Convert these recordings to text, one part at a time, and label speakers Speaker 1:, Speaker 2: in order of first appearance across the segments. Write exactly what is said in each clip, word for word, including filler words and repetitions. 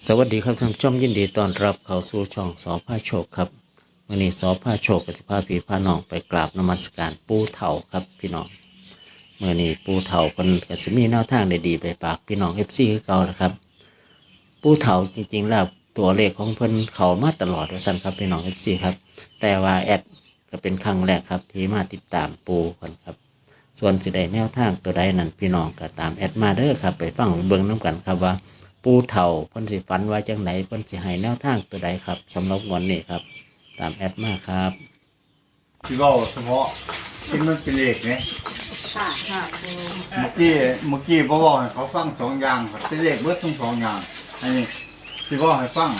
Speaker 1: สวัสดีครับท่านผู้ชมยินดีต้อนรับเข้าสู่ช่องสอพาโชคครับวันนี้สอพาโชคกับพาพี่พาน้องไปกราบนมัสการปู่เฒ่าครับพี่น้องเมื่อนี้ปู่เฒ่าเพิ่นก็สิมีแนวทางดีๆไปฝากพี่น้อง เอฟ ซี คือเก่านะครับปู่เฒ่าจริงๆแล้วตัวเลขของเพิ่นเข้ามาตลอดว่าซั่นครับพี่น้อง เอฟ ซี ครับแต่ว่าแอดก็เป็นครั้งแรกครับที่มาติดตามปู่เพิ่นครับส่วนสิได้แนวทางตัวใดนั้นพี่น้องก็ตามแอดมาเด้อครับไปฟังเบิ่งนํกันครับว่าปู่เฒ่าเพิ่นสิฝันว่าจังไหนเพิ่นสิให้แนวทางตัวใดครับสำหรับงวดนี้ครับตามแอดมาครับ
Speaker 2: ที่ว่าเฉพาะที่มันเป็นเลขเนี่ย
Speaker 3: ค่ะค่ะ
Speaker 2: เมื่อกี้เมื่อกี้พ่อบอกให้เขาฟังสองอย่างครับเป็นเลขเบิดทั้งสองอย่างอันนี้ที่ว่าให้ฟัง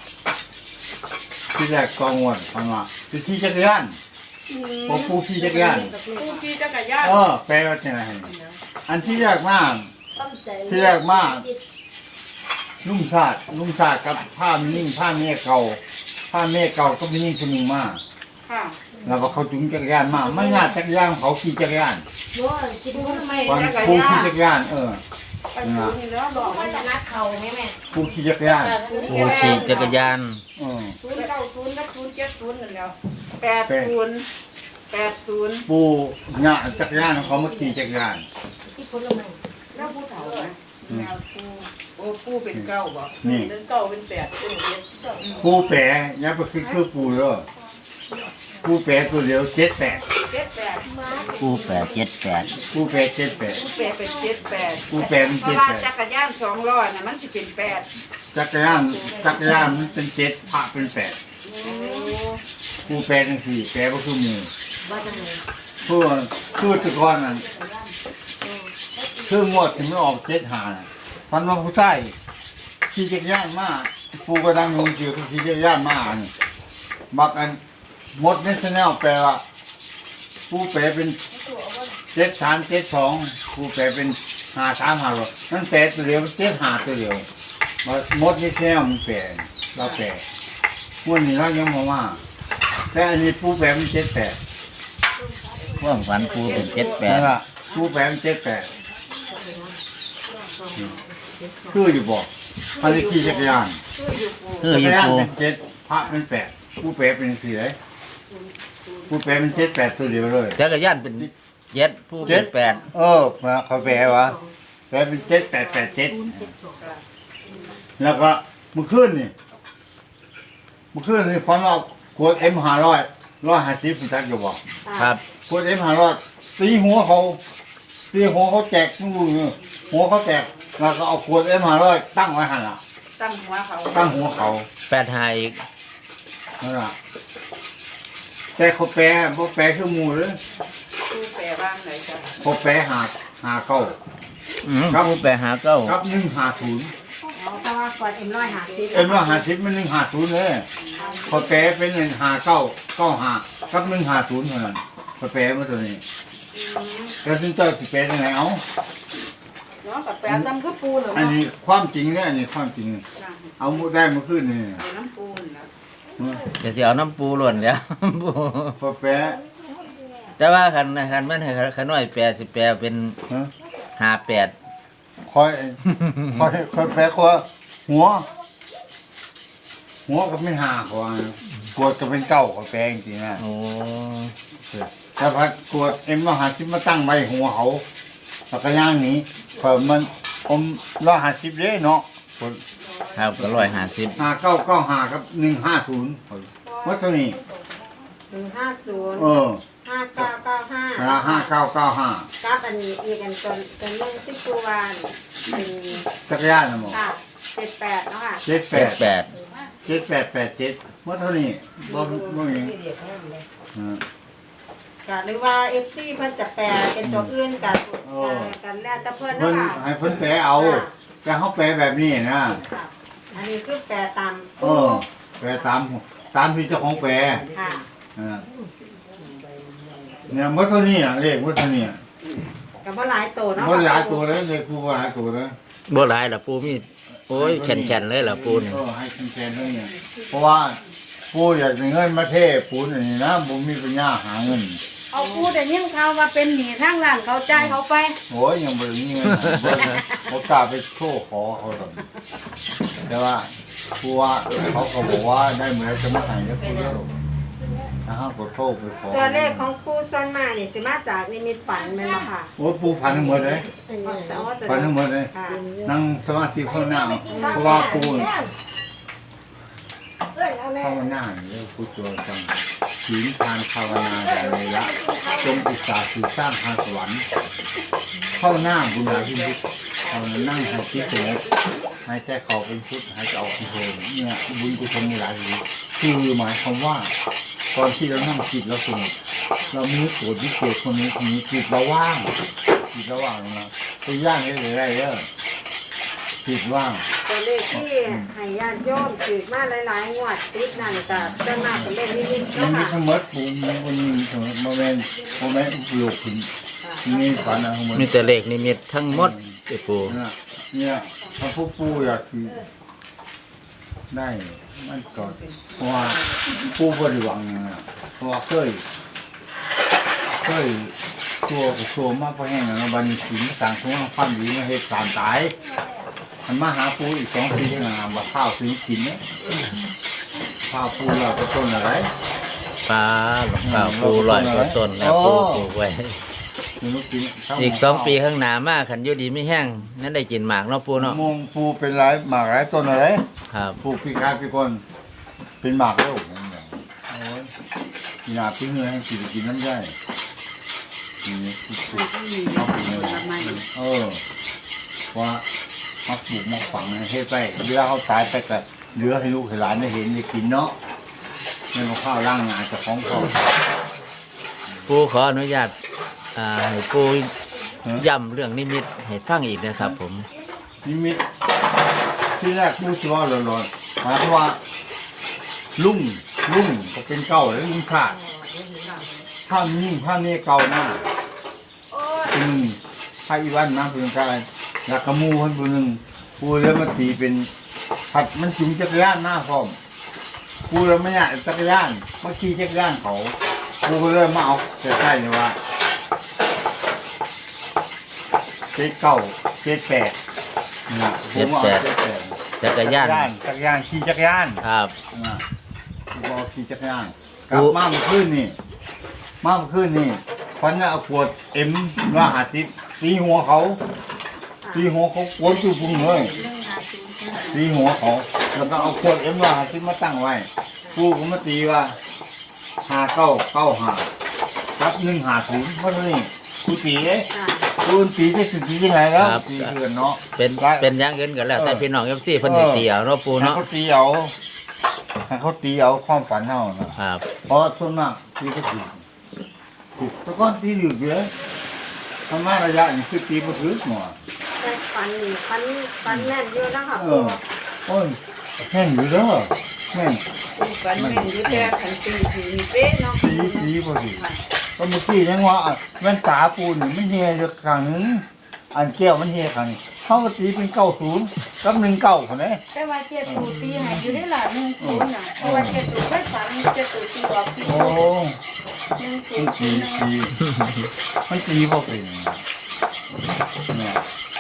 Speaker 2: ที่แรกกองวดฟังว่าคือที่จักรยานพอปูขี่จักรยาน
Speaker 3: ผู้ขี่จักรยาน
Speaker 2: เออแปลว่าจะไงอันที่แรกมากที่แรกมากนุ่งชาตินุ่งชาติกับผ้ามิ่งผ้าเมียเก่าผ้าเมียเก่าก็มีนิ่งคนหนึ่งมาก
Speaker 3: ค่ะ
Speaker 2: แล้วก็เขาจุงจักรยานมาไม่งาจักรยานเขาขี่จักรยาน
Speaker 3: กินผู้ทำไม
Speaker 2: วัน
Speaker 3: จักร
Speaker 2: ผู้
Speaker 3: ยา
Speaker 2: ขี่
Speaker 3: น
Speaker 2: จักรยานเออ
Speaker 3: ไปซื้อนี่แล้วบอกว่าจะ
Speaker 4: นัดเขาไหมแม่
Speaker 2: ผู้ขี่จักรยาน
Speaker 1: ปู่ขี่จักรยาน
Speaker 2: เออ
Speaker 3: ศูนย์เก้าศูนย์และศูนย์เจ็ดศูนย์นั่นแล้วแปดศูนย์แปดศูนย์
Speaker 2: ผู้งาจักรยานเขามาขี่จักรยาน
Speaker 4: ที่ผลไม้
Speaker 3: แล้วผู้เฒ่าไหมแมวผู้โอ้ผู้เป็นเก้าบ่
Speaker 2: นี่
Speaker 3: เป็นเก้าเป็นแปดเป็นเจ็ด
Speaker 2: ผู้แปรยับไปคือคือผู้เลยผู้แปรตัวเดียวเจ็ดแปด
Speaker 3: เจ็ดแปด
Speaker 1: ปู่แปดเจ็ดแปด
Speaker 2: ผู้แปรเจ็ดแปด
Speaker 3: ผู้แปดเป็นเจ็ดแปด
Speaker 2: ผู้แปรเป็น
Speaker 3: เพราะ
Speaker 2: เจ็ด
Speaker 3: ว่า
Speaker 2: แปด
Speaker 3: จักรยานสองล้อน่ะมันจะเป็นแปด
Speaker 2: จักรยานจักรยานมันเป็นเจ็ดพระเป็นแปด
Speaker 3: โอ้
Speaker 2: ผู้แปรทั้งสี่แปรก็คือมือ
Speaker 4: ว่าจะไหน
Speaker 2: ผู้คือตะกอนนั่นคืองวดถึงไม่ออกเจ็ดหาน่ะพันว่าผู้ใต้ขี่จักรยานมาผู้ก็ดังงงเกี่ยวกับขี่จักรยานมาอันมักอันหมดในชแนลแปลว่าผู้แปลเป็นเจ็ดสามเจ็ดสองผู้แปลเป็นหาสามหาหรอกนั่นแปลตัวเดียวเจ็ดหาตัวเดียวมาหมดในชแนลมันแปลเราแปลม้วนนี้เรายังมาว่าแต่อันนี้ผู้แปลเป็นเจ็ดแปด
Speaker 1: ว่างฝันปู่เป็นเจ็ดแป
Speaker 2: นั่
Speaker 1: ด
Speaker 2: นละผู้แปลเป็นเจ็ดแปดคืออยู่บอกอันนี้ขี่จักรยาน
Speaker 1: คือ
Speaker 2: จั
Speaker 1: อก ยู่
Speaker 2: รยาน
Speaker 1: ปู่
Speaker 2: เป็นเจ็ดพระเป็นแปดผู้แปลเป็นสี่เลยผู้แปลเป็นเจ็ดแปดตัวเดียวเลย
Speaker 1: จักรยานเป็นเจ็ดปู่เป็นแปด
Speaker 2: เออมาเขาแปลวะแปลเป็นเจ็ดแปดแปดเจ็ดแล้วก็เมื่อคืนนี่เมื่อคืนนี่ฟันเราขวดเอ็มห้าร้อยร้อยห้าสิบคุณจักอยู่บอก
Speaker 1: ครับ
Speaker 2: ขวดเอ็มห้าร้อยตีหัวเขาตีหัวเขาแจกนู่นนี่หัวเขาแตกแล้วก็เอาขวดเอ็มห้าร้อยตั้งไว้หันละ
Speaker 3: ตั้งหัวเขา
Speaker 2: ตั้งหัวเขา
Speaker 1: แปดหาอีก
Speaker 2: นั่นละแต่เขาแปลเขาแปลคือหมูเลย
Speaker 3: ผู้แปลบ้างไหนจ้ะ
Speaker 2: เขาแปลหาหาเก้า
Speaker 1: อืมปู่แปดหาเก้า
Speaker 2: ครับหนึ่งหาศูนย์
Speaker 4: อ๋อเพราะว่าก่อนเอ็มร้อยหาสิบ
Speaker 2: เอ็มว่าหาสิบมันหนึ่งหาศูนย์เลยพอแปลเป็นหนึ่งหาเก้าเก้าหากับหนึ่งหาศูนย์เท่านั้นพอแปลมาตัวนี้แล้วซึ่งเจ้าสิแปลยังไงเอา
Speaker 3: เนาะกับแปดตั้งก็ปูเหรอ
Speaker 2: อัน
Speaker 3: เนาะ
Speaker 2: นี้ความจริงเนี่ยอันนี้ความจริง เอาได้มาขึ้นนี่
Speaker 3: เอาน้ำปูนนะ
Speaker 1: เดี๋ยวสิเอาน้ำปูหล่นแล้ว ปู่
Speaker 2: พอแปล
Speaker 1: แต่ว่าคันคันมันให้ขน้อยแปดสิแปลเป็น
Speaker 2: ฮะ
Speaker 1: หาแปด
Speaker 2: คอยคอยคอยแปลว่าหัว หัวก็ไม่หาขวานกวดก็เป็นเก้าก็แปลจริงๆนะ
Speaker 1: โอ้
Speaker 2: แต่พัดกวดเอ็มว่าหาสิบมาตั้งไว้หัวเขาแล้วก็ย่างหนี้เพิ่มมันอมร้อยห้าสิบเลยเนาะ
Speaker 1: ครับก็ร้อยห้าสิบ
Speaker 2: ห้าเก้าเก้าห้ากับหนึ่งห้าศูนย์ว่าเท่านี้
Speaker 4: หนึ่งห้าศูนย์
Speaker 2: เออ
Speaker 4: ห้าเก้าเก้าห้า
Speaker 2: ห้าห้าเก้าเก้าห้า
Speaker 4: กับอันนี้อีกอันตอนตอนเรื่องสิบตัววันเป็น
Speaker 2: จักรยานนะหมอ
Speaker 4: ค่ะเจ็ดแปดเนาะค่ะ
Speaker 2: เจ็ดแป
Speaker 1: แป
Speaker 2: ด
Speaker 1: ดแปด
Speaker 2: เจ็ดแปดแปดเจ็ดว่าเท่านี้บ่บ่เองอ่า
Speaker 4: ก็หรือว่าเอฟซีเพิ่นจะแปลเป็นตัวอื่นกันกันแล้วแต่เพิ่น
Speaker 2: เพิ่
Speaker 4: เนาะ
Speaker 2: น
Speaker 4: ค่ะ
Speaker 2: ให้เพิ่นแปลเอาแต่เขาแปลแบบนี้นะ
Speaker 4: ค่ะอันนี้คือแปลตาม
Speaker 2: เออแปลตามตามที่เจ้าของแปล
Speaker 4: ค่ะ
Speaker 2: อ่าเนี่ยเมื่อเท่านี้อ่ะเลขเมื่อเท่านี้อ่ะ
Speaker 4: กับว่าหลายตัวเนาะ
Speaker 2: เมื่อหลายตัวเลยเลขคู่ว่าหลายตัวเลย
Speaker 1: บ่หลายล่ะปู่มีโอ้ยแข็งๆเลยล่ะปู่นี่
Speaker 2: เออให้คุณแทนด้วยเนี่ยเพราะว่าปูอยากได้เงินมาเทปูนอย่างนี้นะผมมีปัญญาหาเงิน
Speaker 3: เอาปูแต่ยิ่งเขาว่าเป็นหนีทางร้านเขาจ่ายเขาไป
Speaker 2: โอ้ยยังไม่มีเงินหาบ่บ่กล้าไปโชว์ขอเขาหรอกแต่ว่าผู้ว่าเขาก็บอกว่าได้เหมือนจะมาหายแล้วผู้เยอะถ้าห้ามกดโทษไปขอ
Speaker 4: ตัวเลขของปูส่วนมากนี่สิมาจากนิมิตฝันแม่นบ่ค่ะ
Speaker 2: โอ้ปูฝันทั้งหมดเลย
Speaker 4: แต่ว่าจะ
Speaker 2: ฝันทั้งหมดเลย
Speaker 4: ค่ะ
Speaker 2: นั่งสมาธิข้างหน้าเพราะว่าปูภาวนาเนี่ยผู้ตัวจังศีลทานภาวนาอะไรละจงอุตสาห์สื่อสร้างทางสวรรค์เข้าหน้าบุญญาพิมุตเรานั่งให้จิตสงบให้ใจเขาเป็นพุทธให้ใจออกเป็นโทนเนี่ยบุญกุศลมีหลายอย่างคือหมายความว่าตอนที่เรานั่งจิตเราสงบเรามีโกรธวิเศษคนนี้คนนี้จิตเราว่างจิตเราว่างนะตัวย่างได้เลยได้เยอะจิตว่าง
Speaker 4: ตัวเลขที่ให้ญาติโยมถือมาหลายๆงวดติดนั่นก็ส่วนมากเป็นเลขนิมิต
Speaker 2: มัน
Speaker 4: เนาะ
Speaker 2: มี
Speaker 4: ค่ะ
Speaker 2: ทั้งหมดปูมันมันมีทั้งหมดโมเมนต์โมเมนต์ปลูกขึ้นมีฝันนะทั้งหมด
Speaker 1: มีแต่เลขนิมิตทั้งหมดไอ้ปู
Speaker 2: เนี่ยเนี่ยพระผู้ปูอยากคือได้มันก่อนเพราะว่าปูบริวังนะเพราะว่าเคยเคยตัวกับตัวมากพอแห้งนะบันสินต่างทุ่งความดีมาเหตุการณ์ตายมันมาหาปูอีกสองปีนะมาข้าวถึงสินเนี่ยข้าวปูเราก็ต้นอะไร
Speaker 1: ปลาหลวงป่าปูลอยกว่าต้นแล้วปูปลูกไว้
Speaker 2: ไม่รู้กิน
Speaker 1: อีกสองปีข้างหน้ามากขันอยุดีไม่แห้งนั่นได้กินหมากเนาะปูเนาะ
Speaker 2: มงปูเป็นไรหมากไรต้นอะไร
Speaker 1: ครับ
Speaker 2: ปลูกปีกายปีคนเป็นหมากแล้วนั่นแหละโอ้ยหนาปิ้งเนื้อให้กินกินน้ำได้นี่ปลูกปลูกเอาปลูกเลยเออว่ามาปลูกมาฝังให้ไปเวลาเขาตายไปก็เหลือให้ลูกให้หลานได้เห็นได้กินเนาะไม่มาข้าวร่างงานเจะของเขา
Speaker 1: ปูขออนุญาตอ่าให้ปูย้ำเรื่องนิมิตให้ฟังอีกนะครับ ผม
Speaker 2: นิมิตที่แรกผู้ชัวร์หลอนๆหมายความว่าลุ่งลุ่งก็เป็นเก่าแล้วลุ่งขาดถ้ามีถ้านี่เก่าหน้าเป็นหนึ่งถ้าอีวันนะเป็นกายอยากกระมูคนเป็นหนึ่งกูแล้วมาตีเป็นผัดมันจุงจักรยานหน้าพร้อมกูแล้วไม่อยากจักรยานมาขี่จักรยานเขากูก็เลยมาเอาแต่ใช่เลยว่าเจ็ดเก้าเจ็ดแปดนะผมเอาเจ็ดแปด
Speaker 1: จักรยาน
Speaker 2: จักรยานขี่จักรยาน
Speaker 1: ครับ
Speaker 2: นะกูเอาขี่จักรยานกลับมาเมื่อคืนนี่มาเมื่อคืนนี่ฟันน่ะเอาขวดเอ็มว่าหาติตีหัวเขาตีหัวเขากวนจุพุงเลยตีหัวเขาแล้วก็เอาขวดเอ็มว่าหาติมาตั้งไว้กูก็มาตีว่าหาเก้าเก้าหารับหนึ่งหาศูนย์เพราะนี่กูตีเอ๊ะกูตีได้สุดที่ยังไงแล้วตีเพื่อนเนาะ
Speaker 1: เป็นเป็นอย่างอื่นกันแล้ว แต่พี่น้องเอฟซีเพิ่นสิตีเอาเนาะปู
Speaker 2: ให้
Speaker 1: เนาะ
Speaker 2: เขาตีเอาให้เขาตีเอาความฝันเฮานะครับ เพราะส่วนมากตีก็ถูกถูกแต่ก่อนตีอยู่เยอะทำมาระยะนี่คือตีบ่ถึกหมอ
Speaker 4: แต่ฝันนี่ฝันฝันแน่นอยู่แล้วค่ะ
Speaker 2: เอ
Speaker 4: ปู
Speaker 2: อโอ้ยแม่นอยู่เด้อแม่น
Speaker 3: ฝันแม่นอยู่แต่ขันตีถึงเป๊ะเนาะ
Speaker 2: ตีตีบ่ถึกก็เมื่อกี้ยังว่าอ่ะแว่นตาปูนี่มันเฮียอยู่ข้างหนึงอันแก้วมันเฮียข้างนี้เขาก็ตีเป็นเก้าศูนย์กับหนึ่งเก้าคนนี้
Speaker 3: แต่ว่าเจ็ดตูตีให้อยู่ได้ล่ะหนึ่งศูนย์น่ะเพราะว่าเจ็ดตูไม่ฝันเจ็ดตูตีออกที่
Speaker 2: โอ้
Speaker 3: หนึ่งศู
Speaker 2: มัน
Speaker 3: นย์
Speaker 2: ตีตีมันตีบ่เป็นเนี่ย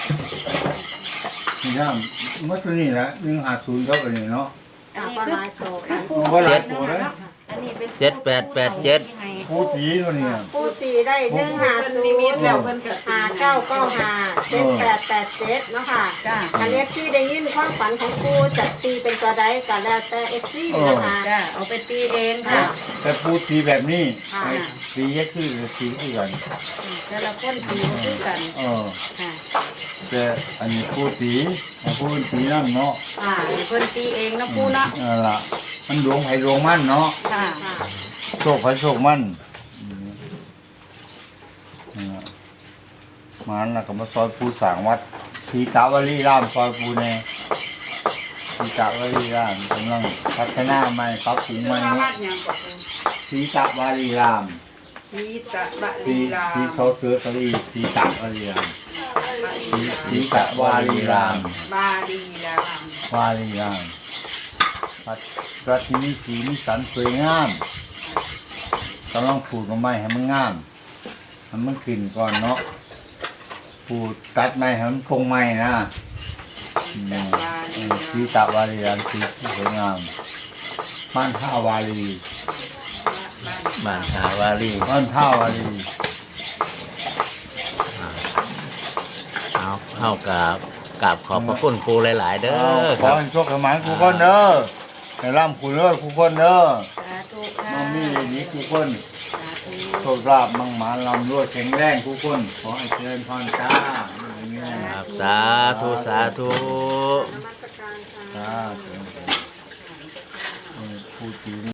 Speaker 2: นี่นะเมื่อตัวนี้แหละหนึ่งหาศูนย์เท่ากันนี่เนาะ
Speaker 4: อ่าก็หลายโตค่ะ
Speaker 2: ว่าหลายตัวเลย
Speaker 3: อันนี้เป็น
Speaker 1: เจ็ดแปดแปดเจ็ด
Speaker 2: ผู้ตีตัวนี้
Speaker 4: ปูตีได้หนึ่งหาศูนย์แล้วเพิ่นก็หาเก้าเก้าหาเจ็ดแปดแปดเจ็ดเนาะค่ะ
Speaker 3: จ้า
Speaker 4: อันนี้ที่ได้ยินความฝันของปูจะตีเป็นตัวใดก็แล้วแต่เอฟซีนะคะ
Speaker 3: จ้าเอาไปตีเองค่ะ
Speaker 2: แต่ผู้ตีแบบนี้
Speaker 4: ค่ะ
Speaker 2: ตีแค่คือตีคือกัน
Speaker 3: แต่ละคนตีบ่คือกัน
Speaker 2: เออ
Speaker 3: ค่ะ
Speaker 2: แต่อันนี้ผู้ตีผู้ตีนั่นเนาะ
Speaker 3: อ่าเพิ่นตีเองนะปูเนาะ
Speaker 2: นั่นล่ะมันดวงไผ่ดวงมันเนาะ
Speaker 3: ค่ะ
Speaker 2: โชคไผ่โชคมันมันแล้วก็มาซอยผู้สร้างวัดทีกาวลีรามซอยผู้แน่ทีกาวลีรามกำลังพัฒนาใหม่ปรับปรุงใหม่
Speaker 3: ชื่อว่า
Speaker 2: เนาะ
Speaker 3: วัดหยังก็ปู
Speaker 2: ทีกาวลีราม
Speaker 3: สีตะบะ
Speaker 2: ที
Speaker 3: ลีลา
Speaker 2: ทีโซเตอร์สลีทีกาวลีรามทีทีกาวลีราม
Speaker 3: บาลีลาว
Speaker 2: าลีรามวัดวัดที่มีสีมีสันสวยงามกำลังปลูกต้นไม้ให้มันงามให้มันขึ้นก่อนเนาะปลูกตัดไม้ให้มันคงไม้นะ อืม
Speaker 3: บาลี
Speaker 2: ชีตาวารีรันชีที่สวยงามบ้านท่าวารี
Speaker 1: บ้านหาวารี
Speaker 2: บ้านท่าวารี
Speaker 1: เอาเอากับกับขอบพระคุณปูหลาย ๆ เด้อ
Speaker 2: ข
Speaker 1: ค
Speaker 2: อ
Speaker 1: รับ
Speaker 2: ให้โชคให้หมายคู่คนเด้อให้ร่ำคู่เด้อคู่คนเด้อ
Speaker 3: สาธุค่ะ
Speaker 2: น้องมีอย่างนี้คู่คน
Speaker 3: สาธุ
Speaker 2: โชคลาภมั่งหมานลำรวยแข็งแรงคู่คนขอให้เจริญพรจ้าอย่างนี้
Speaker 1: ครับสาธุสาธุ
Speaker 4: นมัสการค่ะ
Speaker 2: จ้าเจริญพรเออพูดจริง